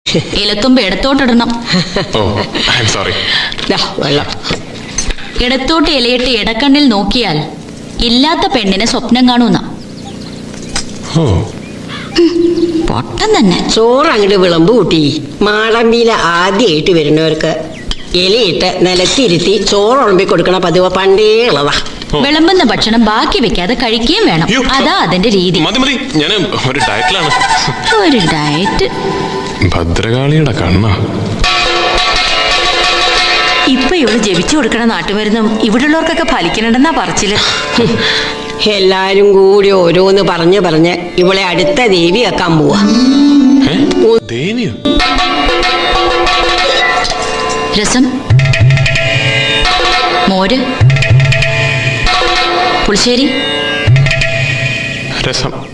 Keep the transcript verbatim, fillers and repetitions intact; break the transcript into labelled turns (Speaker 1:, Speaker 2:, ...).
Speaker 1: ഇലത്തുമ്പ് ഇടത്തോട്ടിടണം. ഇടത്തോട്ട് ഇലയിട്ട് ഇടക്കണ്ണിൽ നോക്കിയാൽ ഇല്ലാത്ത പെണ്ണിനെ സ്വപ്നം കാണൂന്ന. പൊട്ടം തന്നെ.
Speaker 2: ചോറ് അങ്ങോട്ട് വിളമ്പ് കൂട്ടി. മാടമ്പിയിലെ ആദ്യമായിട്ട് വരുന്നവർക്ക് ഇലയിട്ട് നിലത്തിരുത്തി ചോറ് ഉളമ്പി കൊടുക്കണ പതിവ് പണ്ടേ ഉള്ളതാ.
Speaker 1: വിളമ്പുന്ന ഭക്ഷണം ബാക്കി വെക്കാതെ കഴിക്കുകയും വേണം. അതാ അതിന്റെ രീതി. ഒരു ഡയറ്റ്.
Speaker 3: ഭദ്രകാളിയുടെ കണ്ണ.
Speaker 4: ഇപ്പൊ ഇവള് ജപിച്ചു കൊടുക്കണ നാട്ടുമരുന്നും ഇവിടെയുള്ളവർക്കൊക്കെ ഫലിക്കണമെന്നാ പറച്ചില്.
Speaker 2: എല്ലാരും കൂടി ഓരോന്ന് പറഞ്ഞ് പറഞ്ഞ് ഇവളെ അടുത്ത ദേവി വെക്കാൻ പോവാ.
Speaker 1: രസം, മോര്, പുളിശ്ശേരി.
Speaker 3: രസം.